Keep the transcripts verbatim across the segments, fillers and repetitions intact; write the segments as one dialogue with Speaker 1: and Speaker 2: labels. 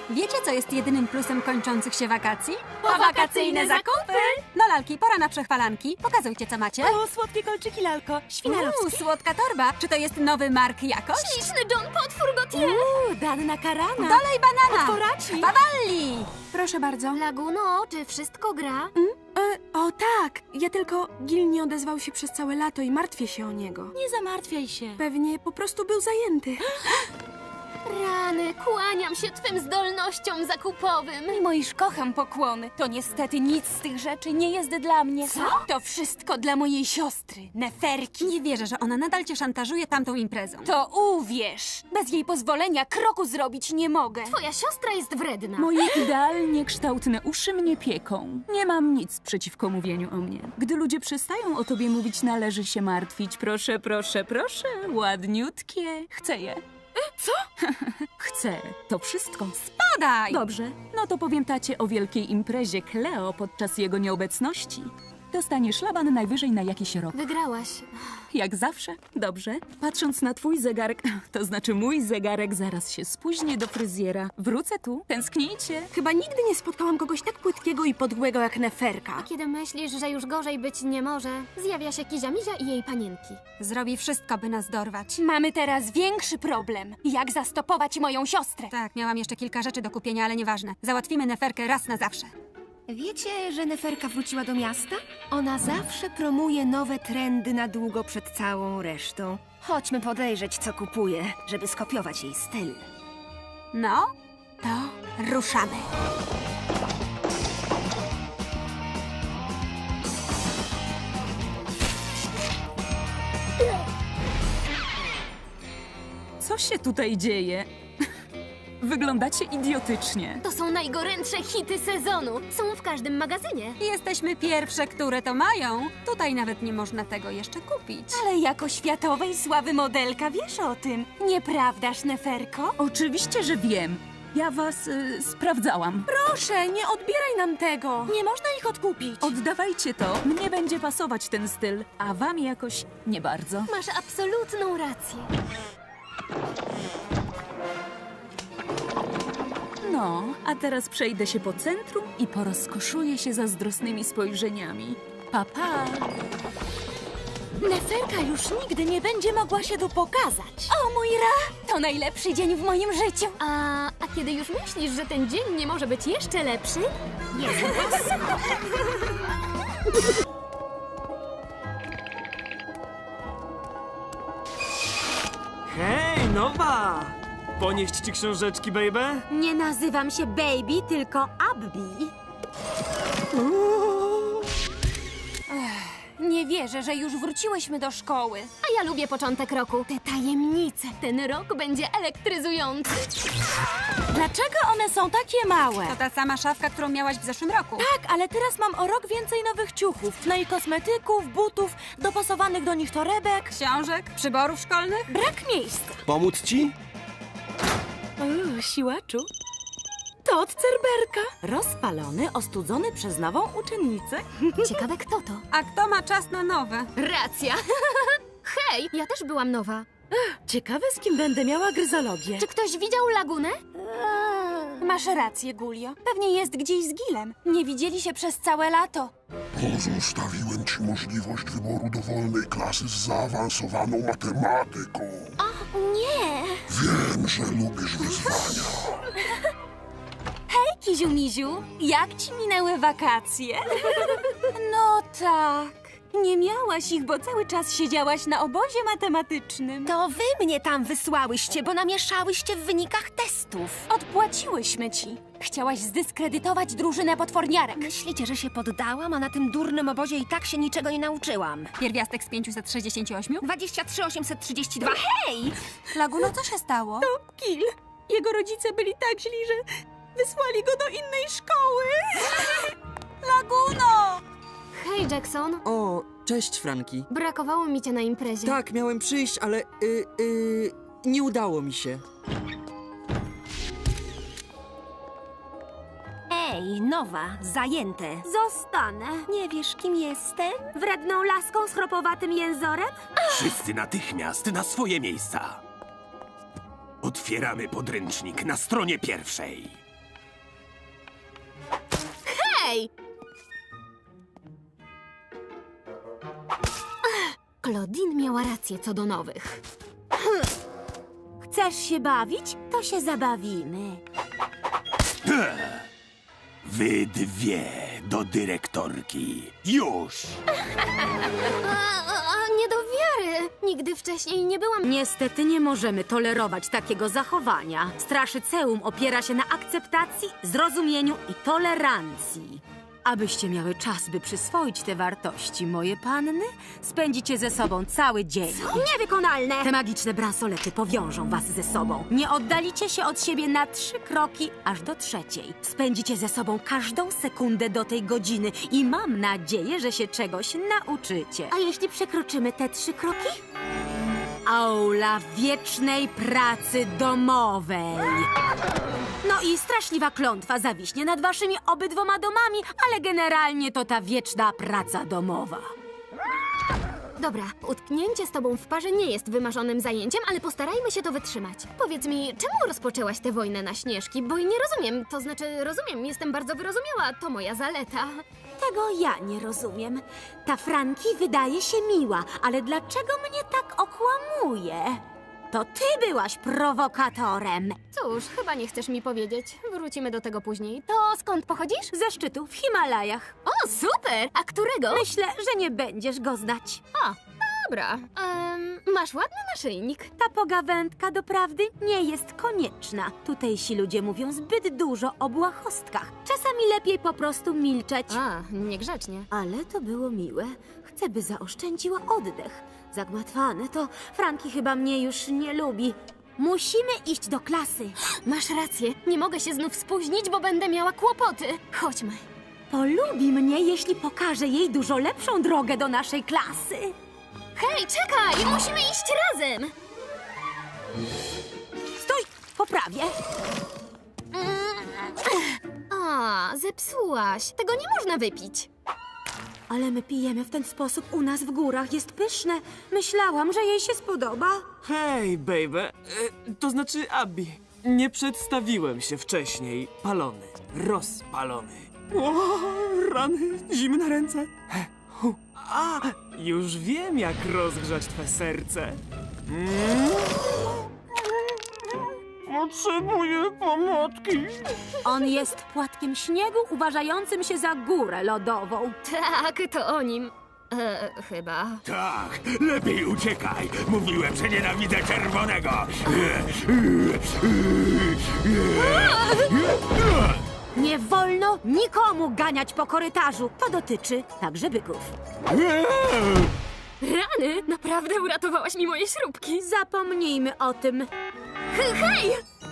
Speaker 1: Wiecie, co jest jedynym plusem kończących się wakacji?
Speaker 2: Powakacyjne zakupy!
Speaker 1: No lalki, pora na przechwalanki. Pokazujcie, co macie.
Speaker 2: O, słodkie kolczyki, lalko. Świnarowskie.
Speaker 1: Uuu, słodka torba. Czy to jest nowy Mark jakoś?
Speaker 3: Śliczny John Potwór Gautier!
Speaker 2: Uuu, Danna Karana.
Speaker 1: Dolej banana!
Speaker 2: Otworaci.
Speaker 1: Bawalli!
Speaker 4: Proszę bardzo.
Speaker 3: Laguno, czy wszystko gra?
Speaker 4: E, o tak, ja tylko Gil nie odezwał się przez całe lato i martwię się o niego.
Speaker 2: Nie zamartwiaj się.
Speaker 4: Pewnie po prostu był zajęty.
Speaker 3: Rany, kłaniam się twym zdolnościom zakupowym.
Speaker 2: Mimo iż kocham pokłony, to niestety nic z tych rzeczy nie jest dla mnie.
Speaker 3: Co?
Speaker 2: To wszystko dla mojej siostry, Neferki.
Speaker 1: Nie wierzę, że ona nadal cię szantażuje tamtą imprezą.
Speaker 2: To uwierz, bez jej pozwolenia kroku zrobić nie mogę.
Speaker 3: Twoja siostra jest wredna.
Speaker 5: Moje idealnie kształtne uszy mnie pieką. Nie mam nic przeciwko mówieniu o mnie. Gdy ludzie przestają o tobie mówić, należy się martwić. Proszę, proszę, proszę. Ładniutkie. Chcę je.
Speaker 2: Co?
Speaker 5: Chcę. To wszystko.
Speaker 1: Podaj!
Speaker 5: Dobrze. No to powiem tacie o wielkiej imprezie Cleo podczas jego nieobecności. Dostaniesz szlaban najwyżej na jakiś rok.
Speaker 3: Wygrałaś.
Speaker 5: Jak zawsze. Dobrze. Patrząc na twój zegarek, to znaczy mój zegarek zaraz się spóźni do fryzjera. Wrócę tu. Tęsknijcie.
Speaker 4: Chyba nigdy nie spotkałam kogoś tak płytkiego i podłego jak Neferka.
Speaker 3: Kiedy myślisz, że już gorzej być nie może, zjawia się Kizia Mizia i jej panienki.
Speaker 1: Zrobi wszystko, by nas dorwać.
Speaker 2: Mamy teraz większy problem. Jak zastopować moją siostrę?
Speaker 1: Tak, miałam jeszcze kilka rzeczy do kupienia, ale nieważne. Załatwimy Neferkę raz na zawsze.
Speaker 6: Wiecie, że Neferka wróciła do miasta? Ona zawsze promuje nowe trendy na długo przed całą resztą. Chodźmy podejrzeć, co kupuje, żeby skopiować jej styl.
Speaker 1: No, to ruszamy.
Speaker 5: Co się tutaj dzieje? Wyglądacie idiotycznie.
Speaker 3: To są najgorętsze hity sezonu. Są w każdym magazynie.
Speaker 1: Jesteśmy pierwsze, które to mają. Tutaj nawet nie można tego jeszcze kupić.
Speaker 2: Ale jako światowej sławy modelka wiesz o tym. Nieprawdaż, Neferko?
Speaker 5: Oczywiście, że wiem. Ja was y, sprawdzałam.
Speaker 4: Proszę, nie odbieraj nam tego.
Speaker 2: Nie można ich odkupić.
Speaker 5: Oddawajcie to. Mnie będzie pasować ten styl, a wam jakoś nie bardzo.
Speaker 3: Masz absolutną rację.
Speaker 5: No, a teraz przejdę się po centrum i porozkoszuję się zazdrosnymi spojrzeniami. Pa, pa.
Speaker 2: Neferka już nigdy nie będzie mogła się tu pokazać. O mój Ra! To najlepszy dzień w moim życiu.
Speaker 3: A, a kiedy już myślisz, że ten dzień nie może być jeszcze lepszy? Jest.
Speaker 7: Hej, nowa! Ponieść ci książeczki, baby?
Speaker 2: Nie nazywam się Baby, tylko Abby. Ech, nie wierzę, że już wróciłyśmy do szkoły.
Speaker 3: A ja lubię początek roku.
Speaker 2: Te tajemnice.
Speaker 3: Ten rok będzie elektryzujący.
Speaker 2: Dlaczego one są takie małe?
Speaker 1: To ta sama szafka, którą miałaś w zeszłym roku.
Speaker 2: Tak, ale teraz mam o rok więcej nowych ciuchów. No i kosmetyków, butów, dopasowanych do nich torebek.
Speaker 1: Książek, przyborów szkolnych.
Speaker 2: Brak miejsca.
Speaker 8: Pomóc ci?
Speaker 2: Uuu, siłaczu. To od Cerberka. Rozpalony, ostudzony przez nową uczennicę.
Speaker 3: Ciekawe, kto to?
Speaker 1: A kto ma czas na nowe?
Speaker 3: Racja. Hej, ja też byłam nowa.
Speaker 2: Ciekawe, z kim będę miała gryzologię.
Speaker 3: Czy ktoś widział lagunę?
Speaker 2: Masz rację, Gulio. Pewnie jest gdzieś z Gilem. Nie widzieli się przez całe lato.
Speaker 9: Pozostawiłem ci możliwość wyboru dowolnej klasy z zaawansowaną matematyką.
Speaker 3: Nie.
Speaker 9: Wiem, że lubisz wyzwania.
Speaker 2: Hej, Kiziu-Miziu, jak ci minęły wakacje? No tak. Nie miałaś ich, bo cały czas siedziałaś na obozie matematycznym.
Speaker 6: To wy mnie tam wysłałyście, bo namieszałyście w wynikach testów.
Speaker 2: Odpłaciłyśmy ci. Chciałaś zdyskredytować drużynę potworniarek.
Speaker 6: Myślicie, że się poddałam, a na tym durnym obozie i tak się niczego nie nauczyłam.
Speaker 1: Pierwiastek z pięciuset sześćdziesięciu ośmiu?
Speaker 6: dwadzieścia trzy osiemset trzydzieści dwa. Hej!
Speaker 1: Laguno, co się stało?
Speaker 2: Gil, jego rodzice byli tak źli, że wysłali go do innej szkoły.
Speaker 1: Laguno!
Speaker 3: Hej, Jackson.
Speaker 10: O, cześć Franki.
Speaker 3: Brakowało mi cię na imprezie.
Speaker 10: Tak, miałem przyjść, ale y, y, nie udało mi się.
Speaker 6: Ej, nowa, zajęte.
Speaker 2: Zostanę.
Speaker 6: Nie wiesz, kim jestem?
Speaker 2: Wredną laską z chropowatym jęzorem?
Speaker 11: Wszyscy natychmiast na swoje miejsca. Otwieramy podręcznik na stronie pierwszej.
Speaker 3: Hej!
Speaker 2: Claudine miała rację co do nowych.
Speaker 6: Chcesz się bawić? To się zabawimy.
Speaker 11: Wy dwie do dyrektorki. Już!
Speaker 3: A, a, a nie do wiary! Nigdy wcześniej nie byłam...
Speaker 6: Niestety nie możemy tolerować takiego zachowania. Straszyceum opiera się na akceptacji, zrozumieniu i tolerancji. Abyście miały czas, by przyswoić te wartości, moje panny, spędzicie ze sobą cały dzień.
Speaker 3: Niewykonalne!
Speaker 6: Te magiczne bransolety powiążą was ze sobą. Nie oddalicie się od siebie na trzy kroki, aż do trzeciej. Spędzicie ze sobą każdą sekundę do tej godziny i mam nadzieję, że się czegoś nauczycie.
Speaker 3: A jeśli przekroczymy te trzy kroki?
Speaker 6: Aula wiecznej pracy domowej. No i straszliwa klątwa zawiśnie nad waszymi obydwoma domami, ale generalnie to ta wieczna praca domowa.
Speaker 3: Dobra, utknięcie z tobą w parze nie jest wymarzonym zajęciem, ale postarajmy się to wytrzymać. Powiedz mi, czemu rozpoczęłaś tę wojnę na Śnieżki? Bo nie rozumiem, to znaczy rozumiem, jestem bardzo wyrozumiała, to moja zaleta.
Speaker 6: Tego ja nie rozumiem. Ta Franki wydaje się miła, ale dlaczego mnie tak okłamuje? To ty byłaś prowokatorem.
Speaker 3: Cóż, chyba nie chcesz mi powiedzieć. Wrócimy do tego później. To skąd pochodzisz?
Speaker 6: Ze szczytu w Himalajach.
Speaker 3: O, super! A którego?
Speaker 6: Myślę, że nie będziesz go znać.
Speaker 3: A, dobra. Um, masz ładny naszyjnik.
Speaker 6: Ta pogawędka doprawdy nie jest konieczna. Tutejsi ludzie mówią zbyt dużo o błahostkach. Czasami lepiej po prostu milczeć.
Speaker 3: A, niegrzecznie.
Speaker 6: Ale to było miłe. Chcę, by zaoszczędziła oddech. Zagmatwane to Franki chyba mnie już nie lubi. Musimy iść do klasy.
Speaker 3: Masz rację. Nie mogę się znów spóźnić, bo będę miała kłopoty. Chodźmy.
Speaker 6: Polubi mnie, jeśli pokażę jej dużo lepszą drogę do naszej klasy.
Speaker 3: Hej, czekaj! Musimy iść razem!
Speaker 6: Stój! Poprawię.
Speaker 3: A, zepsułaś. Tego nie można wypić.
Speaker 6: Ale my pijemy w ten sposób u nas w górach. Jest pyszne. Myślałam, że jej się spodoba.
Speaker 7: Hej, baby. E, to znaczy Abby. Nie przedstawiłem się wcześniej. Palony. Rozpalony. O, rany. Zimne ręce. He, hu. A, już wiem, jak rozgrzać twe serce. Mm. Potrzebuję pomocy.
Speaker 6: On jest płatkiem śniegu uważającym się za górę lodową.
Speaker 3: Tak, to o nim. E, chyba.
Speaker 11: Tak, lepiej uciekaj. Mówiłem, że nienawidzę czerwonego.
Speaker 6: Nie wolno nikomu ganiać po korytarzu. To dotyczy także byków.
Speaker 3: Rany! Naprawdę uratowałaś mi moje śrubki.
Speaker 6: Zapomnijmy o tym.
Speaker 3: Hej, hej!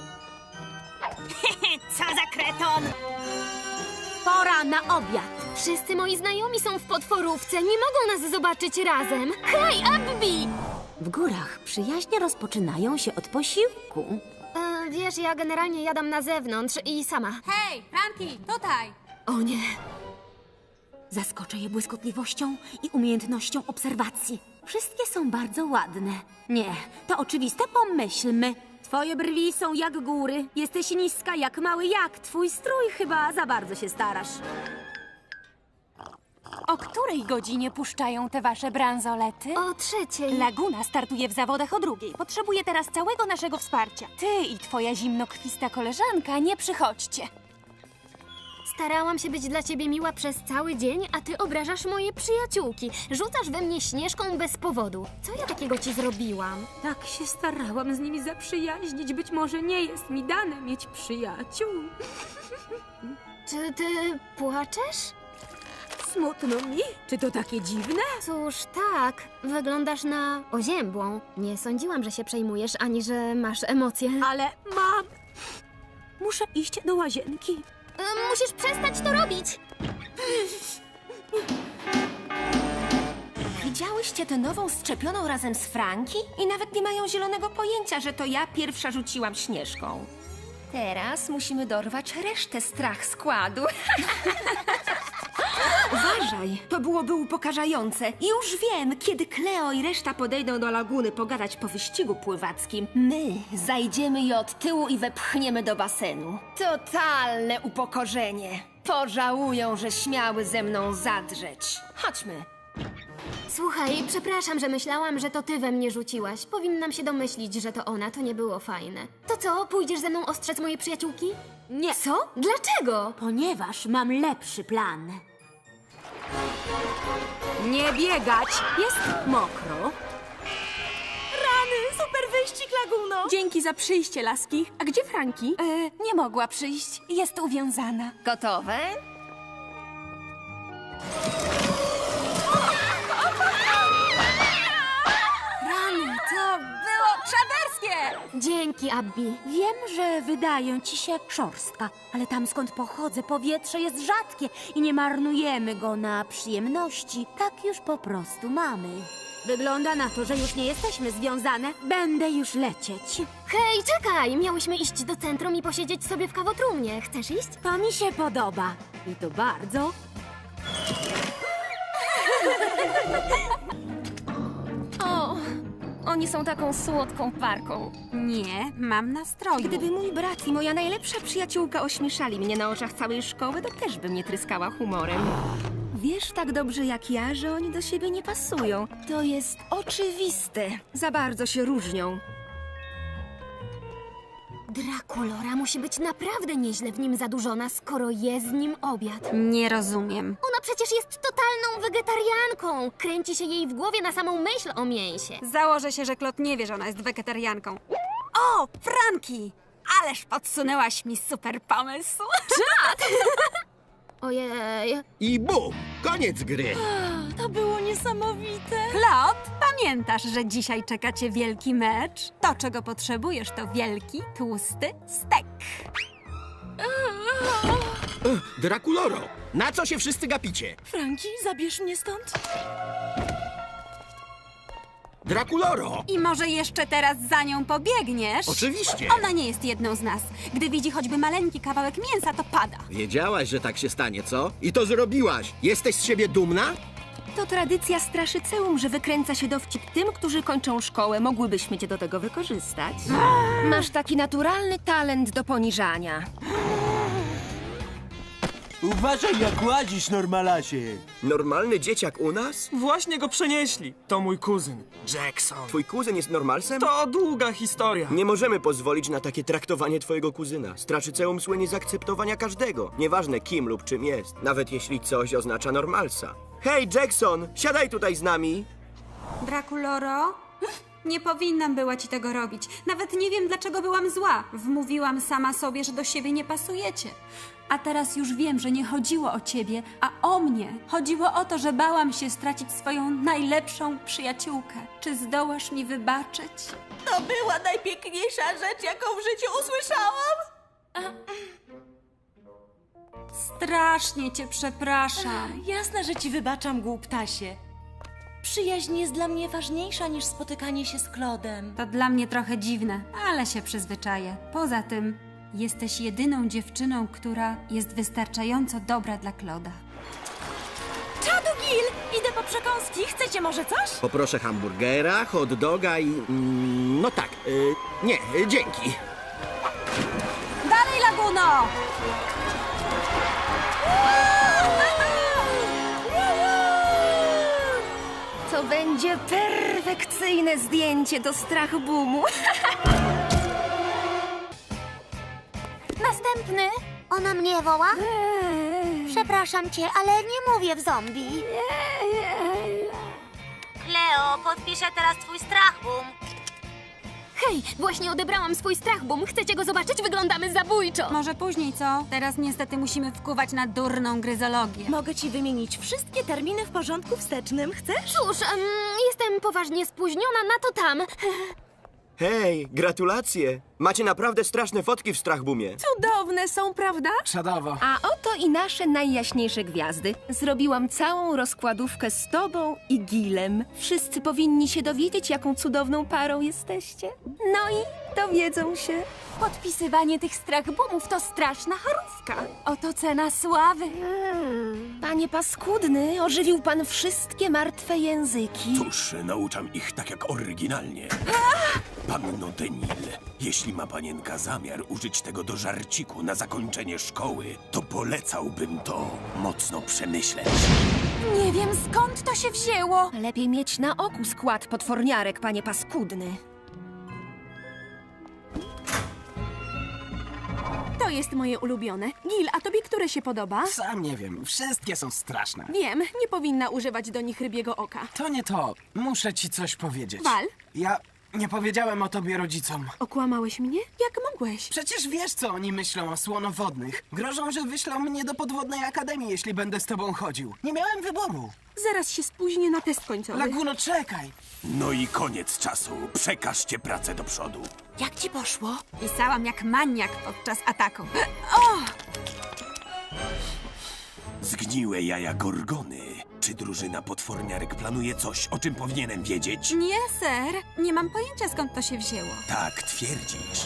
Speaker 6: Co za kreton! Pora na obiad.
Speaker 3: Wszyscy moi znajomi są w potworówce. Nie mogą nas zobaczyć razem. Hej, Abby!
Speaker 6: W górach przyjaźnie rozpoczynają się od posiłku.
Speaker 3: E, wiesz, ja generalnie jadam na zewnątrz i sama.
Speaker 1: Hej, Franki, tutaj!
Speaker 3: O nie.
Speaker 6: Zaskoczę je błyskotliwością i umiejętnością obserwacji. Wszystkie są bardzo ładne. Nie, to oczywiste, pomyślmy. Twoje brwi są jak góry. Jesteś niska jak mały jak. Twój strój chyba za bardzo się starasz.
Speaker 2: O której godzinie puszczają te wasze bransolety?
Speaker 3: O trzeciej.
Speaker 2: Laguna startuje w zawodach o drugiej. Potrzebuje teraz całego naszego wsparcia. Ty i twoja zimnokrwista koleżanka nie przychodźcie.
Speaker 3: Starałam się być dla ciebie miła przez cały dzień, a ty obrażasz moje przyjaciółki. Rzucasz we mnie Śnieżką bez powodu. Co ja takiego ci zrobiłam?
Speaker 6: Tak się starałam z nimi zaprzyjaźnić. Być może nie jest mi dane mieć przyjaciół.
Speaker 3: Czy ty płaczesz?
Speaker 6: Smutno mi. Czy to takie dziwne?
Speaker 3: Cóż, tak. Wyglądasz na oziębłą. Nie sądziłam, że się przejmujesz, ani że masz emocje.
Speaker 6: Ale mam... Muszę iść do łazienki.
Speaker 3: Y, musisz przestać to robić!
Speaker 6: Widziałyście tę nową szczepioną razem z Franki? I nawet nie mają zielonego pojęcia, że to ja pierwsza rzuciłam Śnieżką. Teraz musimy dorwać resztę strach składu.
Speaker 8: Uważaj, to byłoby upokarzające. Już wiem, kiedy Cleo i reszta podejdą do laguny pogadać po wyścigu pływackim, my zajdziemy je od tyłu i wepchniemy do basenu. Totalne upokorzenie. Pożałują, że śmiały ze mną zadrzeć. Chodźmy.
Speaker 3: Słuchaj, przepraszam, że myślałam, że to ty we mnie rzuciłaś. Powinnam się domyślić, że to ona, to nie było fajne. To co, pójdziesz ze mną ostrzec mojej przyjaciółki?
Speaker 6: Nie,
Speaker 3: Co? Dlaczego?
Speaker 6: ponieważ mam lepszy plan. Nie biegać! Jest mokro.
Speaker 2: Rany, super wyścig, Laguno!
Speaker 4: Dzięki za przyjście, laski. A gdzie Franki?
Speaker 2: E, nie mogła przyjść, jest uwiązana.
Speaker 8: Gotowe?
Speaker 1: Rany, to było czaderskie!
Speaker 3: Dzięki, Abby.
Speaker 6: Wiem, że wydają ci się szorstka, ale tam skąd pochodzę powietrze jest rzadkie i nie marnujemy go na przyjemności. Tak już po prostu mamy. Wygląda na to, że już nie jesteśmy związane. Będę już lecieć.
Speaker 3: Hej, czekaj! Miałyśmy iść do centrum i posiedzieć sobie w kawotrumnie. Chcesz iść?
Speaker 6: To mi się podoba. I to bardzo.
Speaker 8: O, oni są taką słodką parką.
Speaker 1: Nie, mam nastroju.
Speaker 8: Gdyby mój brat i moja najlepsza przyjaciółka ośmieszali mnie na oczach całej szkoły, to też bym nie tryskała humorem. Wiesz tak dobrze jak ja, że oni do siebie nie pasują. To jest oczywiste. Za bardzo się różnią.
Speaker 3: Drakulora musi być naprawdę nieźle w nim zadurzona, skoro je z nim obiad.
Speaker 1: Nie rozumiem.
Speaker 3: Ona przecież jest totalną wegetarianką. Kręci się jej w głowie na samą myśl o mięsie.
Speaker 1: Założę się, że Klot nie wie, że ona jest wegetarianką. O, Franki! Ależ podsunęłaś mi super pomysł.
Speaker 3: Ojej.
Speaker 11: I bum! Koniec gry!
Speaker 2: To było niesamowite.
Speaker 1: Klot, pamiętasz, że dzisiaj czeka cię wielki mecz? To, czego potrzebujesz, to wielki, tłusty stek.
Speaker 11: Drakuloro, na co się wszyscy gapicie?
Speaker 2: Franki, zabierz mnie stąd.
Speaker 11: Drakuloro!
Speaker 1: I może jeszcze teraz za nią pobiegniesz?
Speaker 11: Oczywiście!
Speaker 1: Ona nie jest jedną z nas. Gdy widzi choćby maleńki kawałek mięsa, to pada.
Speaker 11: Wiedziałaś, że tak się stanie, co? I to zrobiłaś! Jesteś z siebie dumna?
Speaker 8: To tradycja straszyceum, że wykręca się dowcip tym, którzy kończą szkołę. Mogłybyśmy cię do tego wykorzystać. Masz taki naturalny talent do poniżania.
Speaker 7: Uważaj, jak łazisz, normalacie.
Speaker 12: Normalny dzieciak u nas?
Speaker 7: Właśnie go przenieśli. To mój kuzyn, Jackson.
Speaker 12: Twój kuzyn jest normalsem?
Speaker 7: To długa historia.
Speaker 12: Nie możemy pozwolić na takie traktowanie twojego kuzyna. Straszyceum słynie z akceptowania każdego. Nieważne kim lub czym jest. Nawet jeśli coś oznacza normalsa. Hej, Jackson! Siadaj tutaj z nami!
Speaker 1: Drakuloro? Nie powinnam była ci tego robić. Nawet nie wiem, dlaczego byłam zła. Wmówiłam sama sobie, że do siebie nie pasujecie. A teraz już wiem, że nie chodziło o ciebie, a o mnie. Chodziło o to, że bałam się stracić swoją najlepszą przyjaciółkę. Czy zdołasz mi wybaczyć?
Speaker 2: To była najpiękniejsza rzecz, jaką w życiu usłyszałam.
Speaker 1: Strasznie cię przepraszam.
Speaker 2: Jasne, że ci wybaczam, głuptasie. Przyjaźń jest dla mnie ważniejsza niż spotykanie się z Klodem.
Speaker 1: To dla mnie trochę dziwne, ale się przyzwyczaję. Poza tym, jesteś jedyną dziewczyną, która jest wystarczająco dobra dla Kloda.
Speaker 2: Czadu, Gil! Idę po przekąski. Chcecie może coś?
Speaker 11: Poproszę hamburgera, hot doga i... Mm, no tak, y, nie, y, dzięki.
Speaker 1: Dalej, Laguno!
Speaker 8: To będzie perfekcyjne zdjęcie do strach boomu.
Speaker 6: Następny. Ona mnie woła? Przepraszam cię, ale nie mówię w zombie. Leo, podpiszę teraz twój strach boom.
Speaker 3: Hej, właśnie odebrałam swój strach boom. Chcecie go zobaczyć? Wyglądamy zabójczo.
Speaker 1: Może później, co? Teraz niestety musimy wkuwać na durną gryzologię.
Speaker 2: Mogę ci wymienić wszystkie terminy w porządku wstecznym. Chcesz?
Speaker 3: Cóż, em, jestem poważnie spóźniona na to tam.
Speaker 12: Hej, gratulacje! Macie naprawdę straszne fotki w Strachbumie.
Speaker 4: Cudowne są, prawda?
Speaker 10: Czadowo.
Speaker 8: A oto i nasze najjaśniejsze gwiazdy. Zrobiłam całą rozkładówkę z tobą i Gilem. Wszyscy powinni się dowiedzieć, jaką cudowną parą jesteście. No i dowiedzą się.
Speaker 2: Podpisywanie tych strachbumów to straszna charówka. Oto cena sławy.
Speaker 8: Panie paskudny, ożywił pan wszystkie martwe języki.
Speaker 13: Cóż, nauczam ich tak jak oryginalnie. Panno Denil, jeśli ma panienka zamiar użyć tego do żarciku na zakończenie szkoły, to polecałbym to mocno przemyśleć.
Speaker 2: Nie wiem, skąd to się wzięło.
Speaker 8: Lepiej mieć na oku skład potworniarek, panie paskudny.
Speaker 4: To jest moje ulubione. Gil, a tobie które się podoba?
Speaker 10: Sam nie wiem, wszystkie są straszne.
Speaker 4: Wiem, nie powinna używać do nich rybiego oka.
Speaker 10: To nie to. Muszę ci coś powiedzieć.
Speaker 4: Wal?
Speaker 10: Ja nie powiedziałem o tobie rodzicom.
Speaker 4: Okłamałeś mnie? Jak mogłeś?
Speaker 10: Przecież wiesz, co oni myślą o słonowodnych. Grożą, że wyślą mnie do podwodnej akademii, jeśli będę z tobą chodził. Nie miałem wyboru.
Speaker 4: Zaraz się spóźnię na test końcowy.
Speaker 10: Laguno, czekaj.
Speaker 13: No i koniec czasu. Przekażcie pracę do przodu.
Speaker 2: Jak ci poszło?
Speaker 1: Pisałam jak maniak podczas ataku.
Speaker 13: Zgniłe jaja Gorgony. Czy drużyna potworniarek planuje coś, o czym powinienem wiedzieć?
Speaker 1: Nie, ser. Nie mam pojęcia, skąd to się wzięło.
Speaker 13: Tak twierdzisz.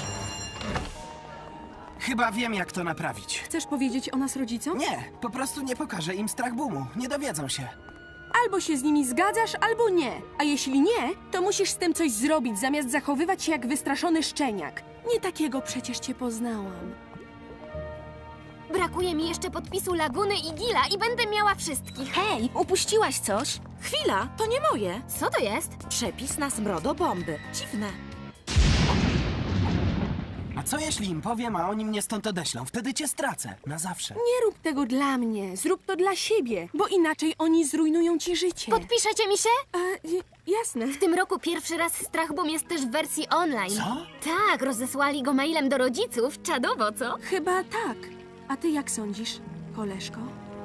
Speaker 10: Chyba wiem, jak to naprawić.
Speaker 4: Chcesz powiedzieć o nas rodzicom?
Speaker 10: Nie, po prostu nie pokażę im Strachbumu. Nie dowiedzą się.
Speaker 4: Albo się z nimi zgadzasz, albo nie. A jeśli nie, to musisz z tym coś zrobić, zamiast zachowywać się jak wystraszony szczeniak. Nie takiego przecież cię poznałam.
Speaker 3: Brakuje mi jeszcze podpisu Laguny i Gila i będę miała wszystkich.
Speaker 8: Hej, upuściłaś coś?
Speaker 6: Chwila, to nie moje.
Speaker 3: Co to jest?
Speaker 6: Przepis na smrodobomby. Dziwne.
Speaker 10: A co jeśli im powiem, a oni mnie stąd odeślą? Wtedy cię stracę. Na zawsze.
Speaker 4: Nie rób tego dla mnie, zrób to dla siebie, bo inaczej oni zrujnują ci życie.
Speaker 3: Podpiszecie mi się?
Speaker 4: A, y, jasne.
Speaker 3: W tym roku pierwszy raz Strachbum jest też w wersji online.
Speaker 10: Co?
Speaker 3: Tak, rozesłali go mailem do rodziców. Czadowo, co?
Speaker 4: Chyba tak. A ty jak sądzisz, koleżko?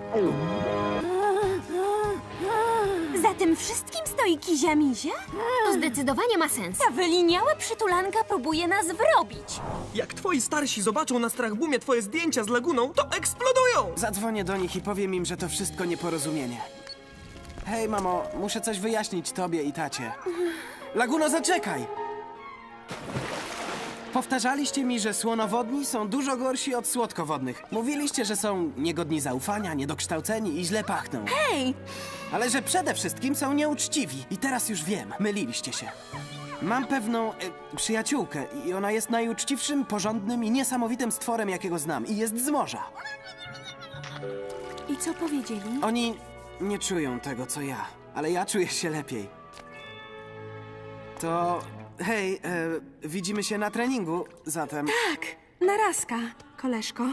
Speaker 2: Za tym wszystkim stoi Kizia Mizia?
Speaker 3: To zdecydowanie ma sens.
Speaker 2: Ta wyliniała przytulanka próbuje nas wrobić.
Speaker 7: Jak twoi starsi zobaczą na Strachbumie twoje zdjęcia z Laguną, to eksplodują!
Speaker 10: Zadzwonię do nich i powiem im, że to wszystko nieporozumienie. Hej, mamo, muszę coś wyjaśnić tobie i tacie. Laguno, zaczekaj! Powtarzaliście mi, że słonowodni są dużo gorsi od słodkowodnych. Mówiliście, że są niegodni zaufania, niedokształceni i źle pachną.
Speaker 4: Hej!
Speaker 10: Ale że przede wszystkim są nieuczciwi. I teraz już wiem, myliliście się. Mam pewną e, przyjaciółkę i ona jest najuczciwszym, porządnym i niesamowitym stworem, jakiego znam. I jest z morza.
Speaker 4: I co powiedzieli?
Speaker 10: Oni nie czują tego, co ja, ale ja czuję się lepiej. To... hej, e, widzimy się na treningu, zatem...
Speaker 4: Tak, narazka, koleżko.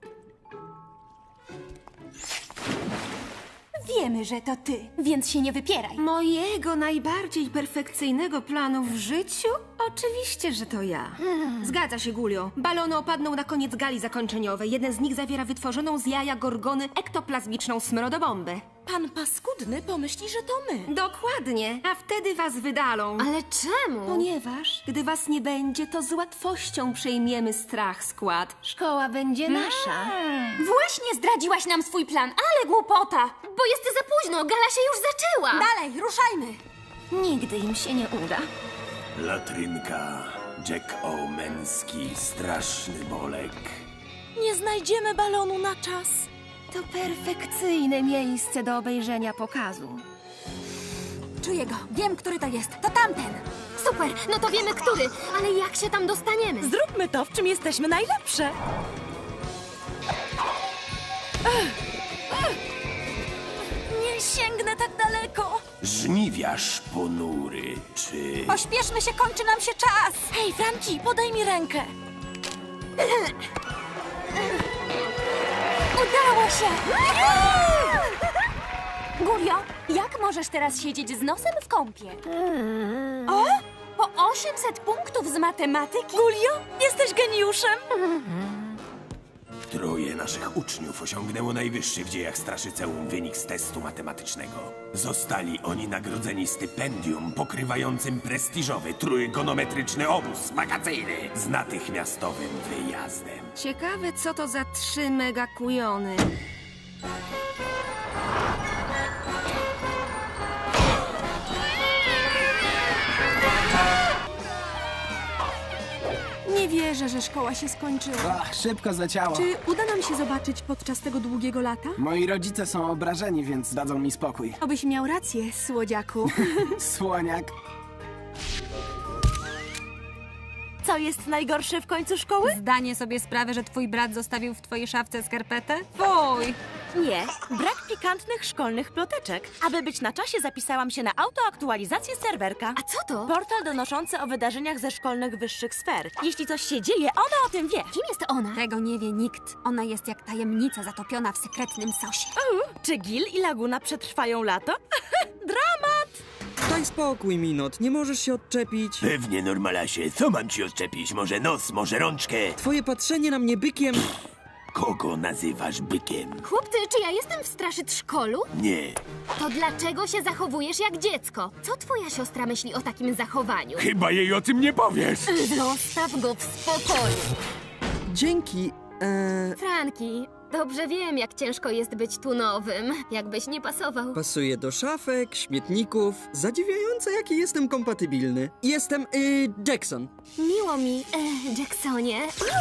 Speaker 2: Wiemy, że to ty, więc się nie wypieraj.
Speaker 8: Mojego najbardziej perfekcyjnego planu w życiu? Oczywiście, że to ja. Zgadza się, Gulio. Balony opadną na koniec gali zakończeniowej. Jeden z nich zawiera wytworzoną z jaja Gorgony ektoplazmiczną smrodobombę.
Speaker 6: Pan paskudny pomyśli, że to my.
Speaker 8: Dokładnie, a wtedy was wydalą.
Speaker 3: Ale czemu?
Speaker 8: Ponieważ, gdy was nie będzie, to z łatwością przejmiemy strach skład. Szkoła będzie nasza.
Speaker 2: Właśnie zdradziłaś nam swój plan, ale głupota.
Speaker 3: Bo jest za późno, gala się już zaczęła.
Speaker 1: Dalej, ruszajmy!
Speaker 8: Nigdy im się nie uda.
Speaker 13: Latrynka, Jack O'Męski, straszny bolek.
Speaker 6: Nie znajdziemy balonu na czas.
Speaker 8: To perfekcyjne miejsce do obejrzenia pokazu.
Speaker 1: Czuję go. Wiem, który to jest. To tamten.
Speaker 3: Super, no to wiemy który, ale jak się tam dostaniemy?
Speaker 6: Zróbmy to, w czym jesteśmy najlepsze. Nie sięgnę tak daleko.
Speaker 13: Żniwiarz ponury, czy...
Speaker 1: Pośpieszmy się, kończy nam się czas.
Speaker 6: Hej, Franki, podaj mi rękę.
Speaker 2: Udało się! Gulio, jak możesz teraz siedzieć z nosem w kąpie? O! Po osiemset punktów z matematyki?
Speaker 6: Gulio, jesteś geniuszem.
Speaker 13: Troje naszych uczniów osiągnęło najwyższy w dziejach Straszyceum wynik z testu matematycznego. Zostali oni nagrodzeni stypendium pokrywającym prestiżowy trójgonometryczny obóz wakacyjny z natychmiastowym wyjazdem.
Speaker 8: Ciekawe, co to za trzy megakujony.
Speaker 4: Nie wierzę, że szkoła się skończyła.
Speaker 10: Ach, szybko zaciało.
Speaker 4: Czy uda nam się zobaczyć podczas tego długiego lata?
Speaker 10: Moi rodzice są obrażeni, więc dadzą mi spokój.
Speaker 4: Obyś miał rację, słodziaku.
Speaker 10: Słoniak.
Speaker 2: Co jest najgorsze w końcu szkoły?
Speaker 1: Zdanie sobie sprawę, że twój brat zostawił w twojej szafce skarpetę? Fuj!
Speaker 2: Nie, brak pikantnych szkolnych ploteczek. Aby być na czasie, zapisałam się na autoaktualizację serwerka.
Speaker 3: A co to?
Speaker 2: Portal donoszący o wydarzeniach ze szkolnych wyższych sfer. Jeśli coś się dzieje, ona o tym wie.
Speaker 3: Kim jest ona?
Speaker 1: Tego nie wie nikt. Ona jest jak tajemnica zatopiona w sekretnym sosie.
Speaker 2: U, czy Gil i Laguna przetrwają lato? Dramat!
Speaker 14: Daj spokój, Minot, nie możesz się odczepić.
Speaker 13: Pewnie, Normalasie. Co mam ci odczepić? Może nos, może rączkę?
Speaker 14: Twoje patrzenie na mnie bykiem...
Speaker 13: Kogo nazywasz bykiem?
Speaker 3: Chłopcy, czy ja jestem w straszytrzkolu?
Speaker 13: Nie.
Speaker 3: To dlaczego się zachowujesz jak dziecko? Co twoja siostra myśli o takim zachowaniu?
Speaker 13: Chyba jej o tym nie powiesz.
Speaker 3: Zostaw go w spokoju.
Speaker 14: Dzięki, eee...
Speaker 3: Franki, dobrze wiem, jak ciężko jest być tu nowym. Jakbyś nie pasował.
Speaker 14: Pasuje do szafek, śmietników. Zadziwiające, jaki jestem kompatybilny. Jestem, y, Jackson.
Speaker 3: Miło mi, e, Jacksonie.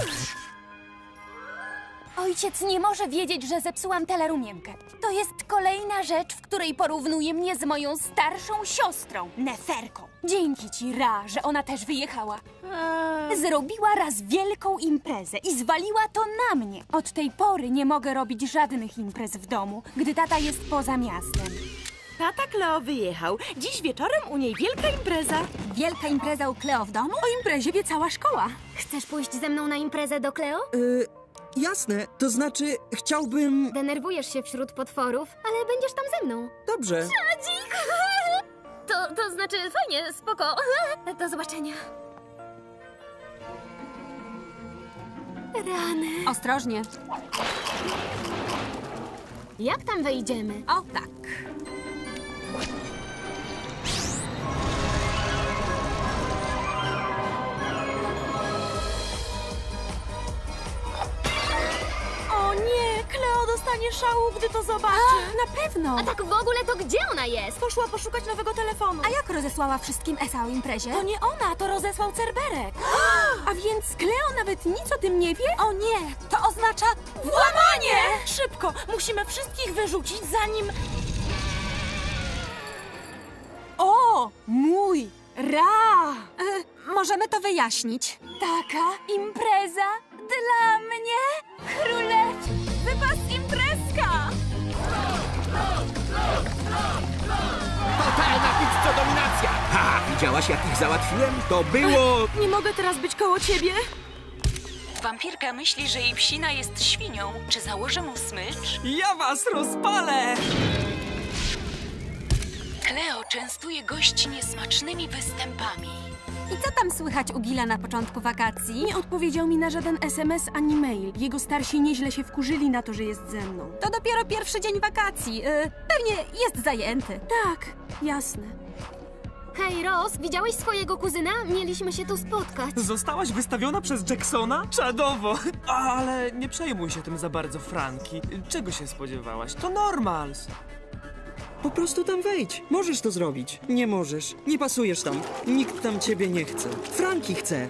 Speaker 2: Ojciec nie może wiedzieć, że zepsułam telerumiemkę. To jest kolejna rzecz, w której porównuje mnie z moją starszą siostrą, Neferką. Dzięki ci, Ra, że ona też wyjechała. Zrobiła raz wielką imprezę i zwaliła to na mnie. Od tej pory nie mogę robić żadnych imprez w domu, gdy tata jest poza miastem. Tata Kleo wyjechał. Dziś wieczorem u niej wielka impreza.
Speaker 1: Wielka impreza u Kleo w domu?
Speaker 4: O imprezie wie cała szkoła.
Speaker 3: Chcesz pójść ze mną na imprezę do Kleo?
Speaker 14: Y, jasne, to znaczy, chciałbym...
Speaker 3: Denerwujesz się wśród potworów, ale będziesz tam ze mną.
Speaker 14: Dobrze.
Speaker 3: Tadzik! To, to znaczy, fajnie, spoko. Do zobaczenia. Rany.
Speaker 1: Ostrożnie.
Speaker 3: Jak tam wejdziemy?
Speaker 1: O, tak.
Speaker 2: O nie, Kleo dostanie szału, gdy to zobaczy.
Speaker 4: Na pewno.
Speaker 3: A tak w ogóle to gdzie ona jest?
Speaker 2: Poszła poszukać nowego telefonu.
Speaker 1: A jak rozesłała wszystkim Esa o imprezie?
Speaker 2: To nie ona, to rozesłał Cerberek.
Speaker 4: A więc Kleo nawet nic o tym nie wie?
Speaker 1: O nie, to oznacza...
Speaker 2: Włamanie! Szybko, musimy wszystkich wyrzucić, zanim...
Speaker 1: O, mój Ra! E, możemy to wyjaśnić.
Speaker 2: Taka impreza dla mnie? Królew, wypas imprezka!
Speaker 11: Totalna pizzo-dominacja! Ha! Widziałaś, jak ich załatwiłem? To było...
Speaker 2: Nie mogę teraz być koło ciebie.
Speaker 5: Wampirka myśli, że jej psina jest świnią. Czy założę mu smycz?
Speaker 7: Ja was rozpalę!
Speaker 5: Kleo częstuje gości niesmacznymi występami.
Speaker 1: I co tam słychać u Gila na początku wakacji?
Speaker 4: Nie odpowiedział mi na żaden es em es ani mail. Jego starsi nieźle się wkurzyli na to, że jest ze mną.
Speaker 1: To dopiero pierwszy dzień wakacji. Yy, pewnie jest zajęty.
Speaker 4: Tak, jasne.
Speaker 3: Hej, Ross, widziałeś swojego kuzyna? Mieliśmy się tu spotkać.
Speaker 7: Zostałaś wystawiona przez Jacksona? Czadowo! Ale nie przejmuj się tym za bardzo, Franki. Czego się spodziewałaś? To normals.
Speaker 14: Po prostu tam wejdź. Możesz to zrobić. Nie możesz. Nie pasujesz tam. Nikt tam ciebie nie chce. Franki chce.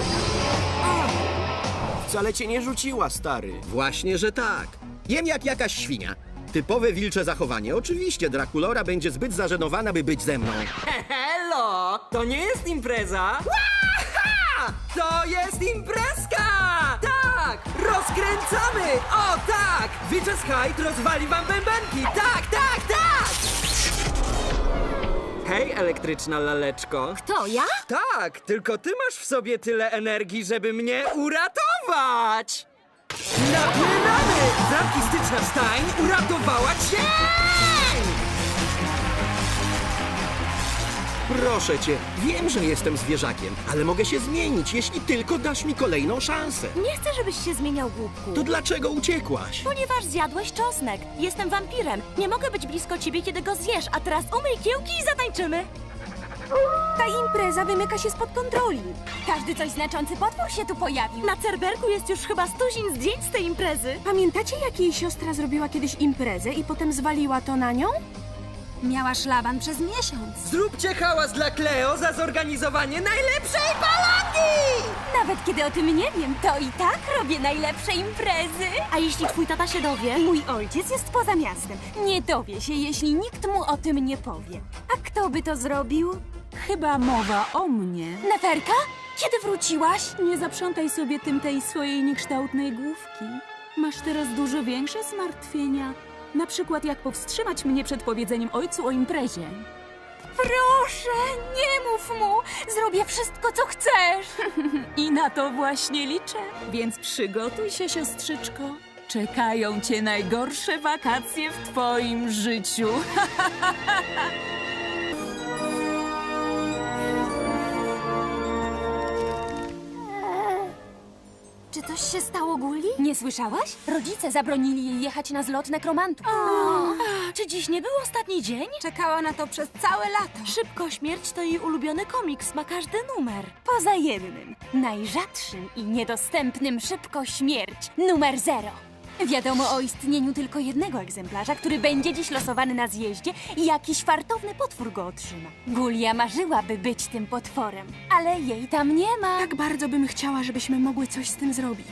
Speaker 12: Wcale cię nie rzuciła, stary.
Speaker 11: Właśnie, że tak. Jem jak jakaś świnia. Typowe wilcze zachowanie. Oczywiście Drakulora będzie zbyt zażenowana, by być ze mną.
Speaker 7: Hello! To nie jest impreza! Łaha! To jest imprezka! Tak! Rozkręcamy! O tak! Witches Hyde rozwali wam bębenki! Tak, tak, tak! Hej, elektryczna laleczko.
Speaker 3: Kto, ja?
Speaker 7: Tak, tylko ty masz w sobie tyle energii, żeby mnie uratować! Napieramy! Zarkistyczna Stein uratowała cię!
Speaker 11: Proszę cię, wiem, że jestem zwierzakiem, ale mogę się zmienić, jeśli tylko dasz mi kolejną szansę.
Speaker 6: Nie chcę, żebyś się zmieniał, głupku.
Speaker 11: To dlaczego uciekłaś?
Speaker 6: Ponieważ zjadłeś czosnek. Jestem wampirem. Nie mogę być blisko ciebie, kiedy go zjesz, a teraz umyj kiełki i zatańczymy.
Speaker 4: Ta impreza wymyka się spod kontroli.
Speaker 2: Każdy coś znaczący potwór się tu pojawił.
Speaker 6: Na Cerberku jest już chyba stuzin zdjęć z tej imprezy.
Speaker 4: Pamiętacie, jak jej siostra zrobiła kiedyś imprezę i potem zwaliła to na nią?
Speaker 1: Miała szlaban przez miesiąc.
Speaker 15: Zróbcie hałas dla Cleo za zorganizowanie najlepszej balonki!
Speaker 2: Nawet kiedy o tym nie wiem, to i tak robię najlepsze imprezy.
Speaker 6: A jeśli twój tata się dowie?
Speaker 2: Mój ojciec jest poza miastem. Nie dowie się, jeśli nikt mu o tym nie powie. A kto by to zrobił?
Speaker 5: Chyba mowa o mnie.
Speaker 2: Neferka? Kiedy wróciłaś?
Speaker 5: Nie zaprzątaj sobie tym tej swojej niekształtnej główki. Masz teraz dużo większe zmartwienia. Na przykład jak powstrzymać mnie przed powiedzeniem ojcu o imprezie.
Speaker 2: Proszę, nie mów mu! Zrobię wszystko, co chcesz!
Speaker 5: I na to właśnie liczę. Więc przygotuj się, siostrzyczko. Czekają cię najgorsze wakacje w twoim życiu.
Speaker 6: Czy coś się stało, Guli?
Speaker 2: Nie słyszałaś? Rodzice zabronili jej jechać na zlot nekromantów.
Speaker 6: Czy dziś nie był ostatni dzień?
Speaker 1: Czekała na to przez całe lato.
Speaker 6: Szybko śmierć to jej ulubiony komiks, ma każdy numer.
Speaker 2: Poza jednym, najrzadszym i niedostępnym szybko śmierć, numer zero. Wiadomo o istnieniu tylko jednego egzemplarza, który będzie dziś losowany na zjeździe i jakiś fartowny potwór go otrzyma. Gulia marzyłaby być tym potworem, ale jej tam nie ma.
Speaker 4: Tak bardzo bym chciała, żebyśmy mogły coś z tym zrobić.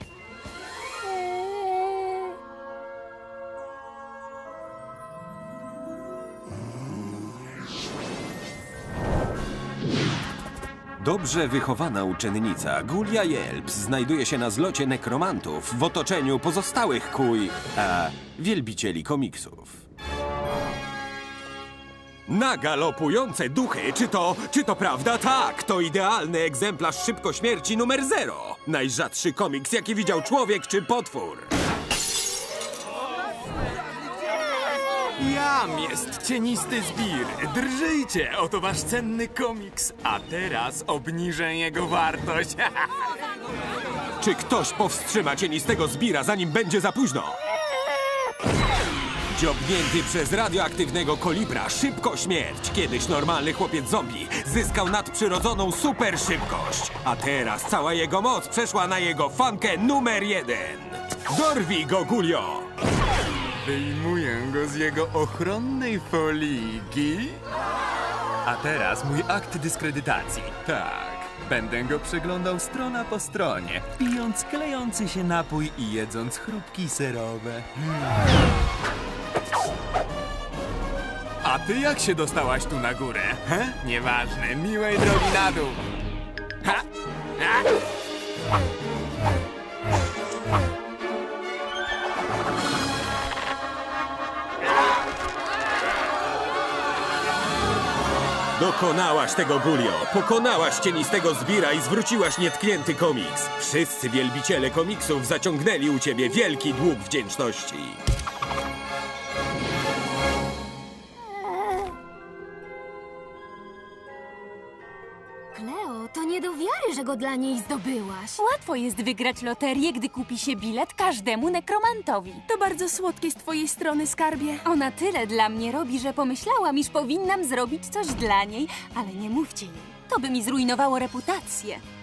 Speaker 13: Dobrze wychowana uczennica Gulia Jelps znajduje się na zlocie nekromantów w otoczeniu pozostałych kuj, a wielbicieli komiksów. Na galopujące duchy, czy to, czy to prawda? Tak, to idealny egzemplarz Szybko Śmierci numer zero. Najrzadszy komiks, jaki widział człowiek czy potwór.
Speaker 16: Jam jest cienisty zbir. Drżyjcie, oto wasz cenny komiks. A teraz obniżę jego wartość.
Speaker 13: Czy ktoś powstrzyma cienistego zbira, zanim będzie za późno? Dziobnięty przez radioaktywnego kolibra Szybko Śmierć, kiedyś normalny chłopiec zombie, zyskał nadprzyrodzoną super szybkość. A teraz cała jego moc przeszła na jego fankę numer jeden. Dorwij go, Gulio!
Speaker 16: Wyjmuję go z jego ochronnej foliki. A teraz mój akt dyskredytacji. Tak, będę go przeglądał strona po stronie, pijąc klejący się napój i jedząc chrupki serowe. Hmm. A ty jak się dostałaś tu na górę? He? Nieważne, miłej drogi na dół. Ha? Ha?
Speaker 13: Dokonałaś tego, Gulio! Pokonałaś cienistego zbira i zwróciłaś nietknięty komiks. Wszyscy wielbiciele komiksów zaciągnęli u ciebie wielki dług wdzięczności.
Speaker 3: Cleo, to nie do wiary, że go dla niej zdobyłaś.
Speaker 2: Łatwo jest wygrać loterię, gdy kupi się bilet każdemu nekromantowi.
Speaker 4: To bardzo słodkie z twojej strony, skarbie.
Speaker 2: Ona tyle dla mnie robi, że pomyślałam, iż powinnam zrobić coś dla niej, ale nie mówcie jej. To by mi zrujnowało reputację.